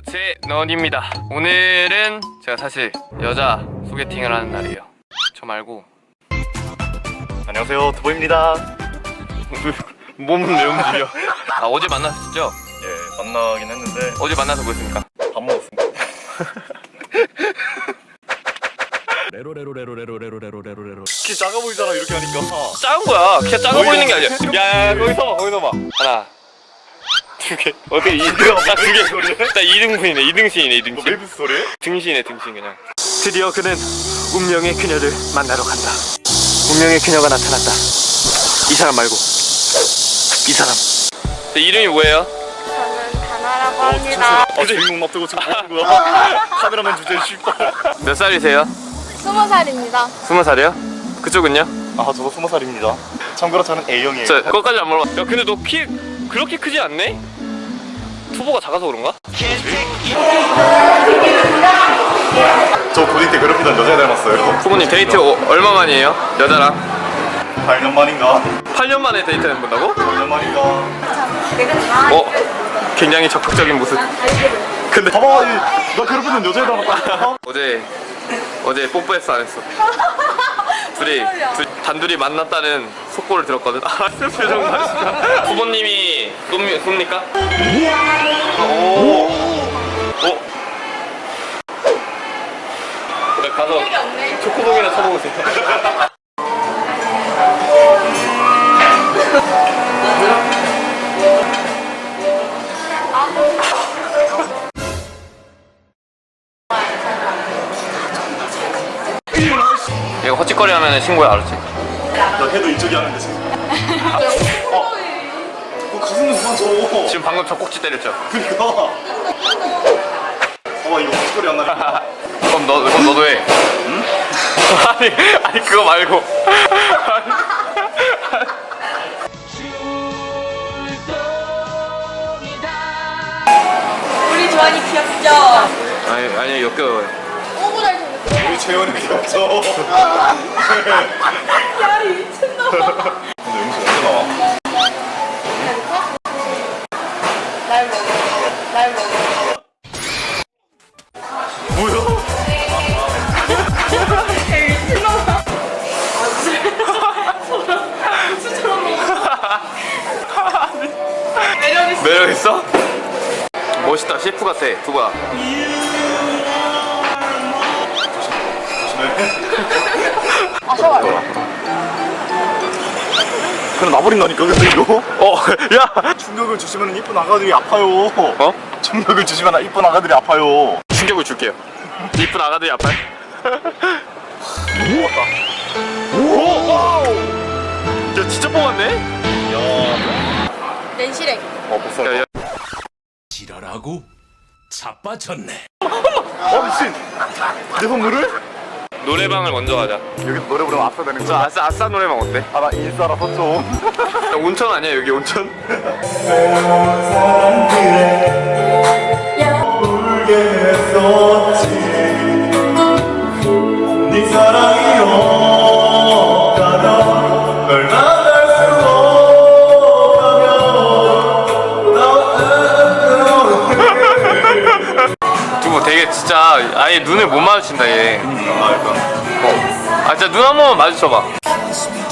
세넌입니다. 오늘은 제가 사실 여자 소개팅을 하는 날이에요. 저 말고. 안녕하세요, 두보입니다. 몸은 왜 움직여? 아, 어제 만났었죠? 예, 만나긴 했는데 어제 만나서 뭐 했습니까? 밥 먹었습니다. 레로레로레로레로레로레로레로. 키 작아 보이잖아, 이렇게 하니까. 작은 거야. 키가 작아 보이는 게 아니야. 야, 거기서 봐, 거기서 봐. 하나, 두 개. 어떻게 딱 두 개. 딱 2등분이네, 2등신이네, 2등신. 메이브 스토리? 등신이네, 등신 그냥. 드디어 그는 운명의 그녀를 만나러 간다. 운명의 그녀가 나타났다. 이 사람 말고 이 사람. 이름이 뭐예요? 저는 다나라고 합니다. 주인공 납두고 지금 보는 거야. 카메라맨 주제에 쉽다. 몇 살이세요? 20살입니다. 20살이요? 그쪽은요? 아, 저도 20살입니다. 참고로 저는 A형이에요. 저 그것까지 안 물어봐. 야, 근데 너 키 그렇게 크지 않네? 투보가 작아서 그런가? 저 고딩 때 괴롭히던 여자 닮았어요. 부모님 데이트 얼마 만이에요? 여자랑? 8년 만인가? 8년 만에 데이트 해본다고? 8년 만인가? 굉장히 적극적인 모습. 근데 봐봐, 나 괴롭히던 여자 닮았다. 어제 뽀뽀했어 안 했어? 둘이 단둘이 만났다는 속보를 들었거든. 아, 표정 맛있다. 부모님이 쏩니까? 오. 그래, 가서 초코봉이나 쳐먹으세요. 이거 헛짓거리 하면 신고해, 알았지? 나 걔도 이쪽이 하는데 지금. 가슴 그만 줘. 지금 방금 젖꼭지 때렸죠? 그니까. 이거 헛소리 안 나니까. 그럼 너도 해. 응? 아니 그거 말고. 우리 조한이 귀엽죠? 아니 역겨워요. 오고 잘 생겼어. 우리 재현이 귀엽죠? 야, 이 미친놈. 근데 영수 언제 나와? 날 먹어. 뭐야? 매력 있어? 멋있다. 셰프 같아. 두바. 아, 셔워. 그럼 나버린다니까 근데 이거? 야. 충격을 주시면 이쁜 아가들이 아파요. 어? 충격을 주시면 이쁜 아가들이 아파요. 충격을 줄게요. 이쁜 아가들이 아파요? 오! 와우! 야, 진짜 뽑았네? 야. 낸시랭. 복사. 지랄하고 자빠졌네. 미친. 내 선물을? 노래방을 먼저 가자. 여기 노래 부르면 아싸 되는 저 거야? 아싸 노래방 어때? 아, 나 인싸라서 좀. 야, 온천 아니야 여기 온천? 울게 했었지. 네 사랑이 없다면 널 만날 수 없다면 두부 되게 진짜 아예 눈을 못 마주친다 얘. 아, 일단 아 진짜 눈 한 번만 마주쳐봐.